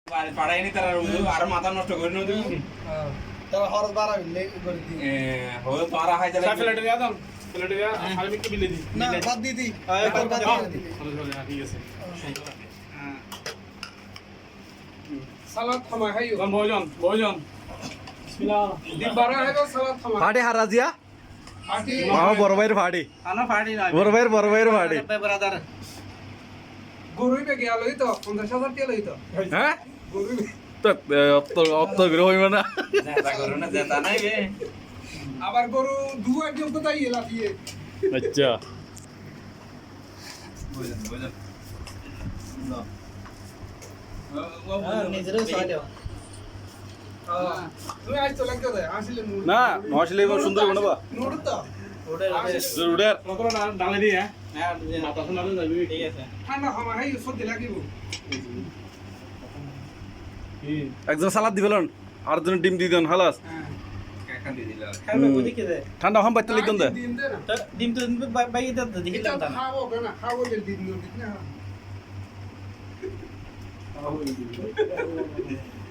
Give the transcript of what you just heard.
পাড়াইনি তারা আর মাথা নষ্ট করে নদী তারা খরচ বাড়াবি করে দি হলো তারা হয় তাহলে প্লেটে দিয়া দাও প্লেটে দিয়া আমি একটু বিলে দিই না বাদ দি দি ঠিক আছে সালাদ থামা খাইও ভোজন ভোজন বিসমিল্লাহ দিবারা হেগো সালাদ থামা ফাড়ি হারাজিয়া পাটি মামা বড় ভাইয়ের ফাড়ি আনা পাড়ি না বড় ভাইয়ের ফাড়ি ব্রাদার গরুই বে গিয়া লই তো 50,000 টাকা লই তো হ্যাঁ গরুই তো অত গ্রহ হইব না জেতা করো না জেতা নাই বে আবার গরু দুয়ার দিন তো তাই এলা দিয়ে আচ্ছা বুঝেন বুঝেন নিজেরও সাইডে তুমি আজ তো লাগতে দে আসলে না নশলে সুন্দর বানাবা নোট তো উড়ার কত ডালে দি হ্যাঁ মাথা শোনালে যাবি ঠিক আছে ঠান্ডা খামা খাই সর্দি লাগিব একজন সালাদ দিবেলন আর জন ডিম দিয়ে দেন হালাস কাকা দি দিলা খাবে বুঝি কে দে ঠান্ডা হাম বাইতে লিখুন দে দিন দে না ডিম তো বাইকে দে দেখি এটা না খাবো না খাবো যে দিন দিন না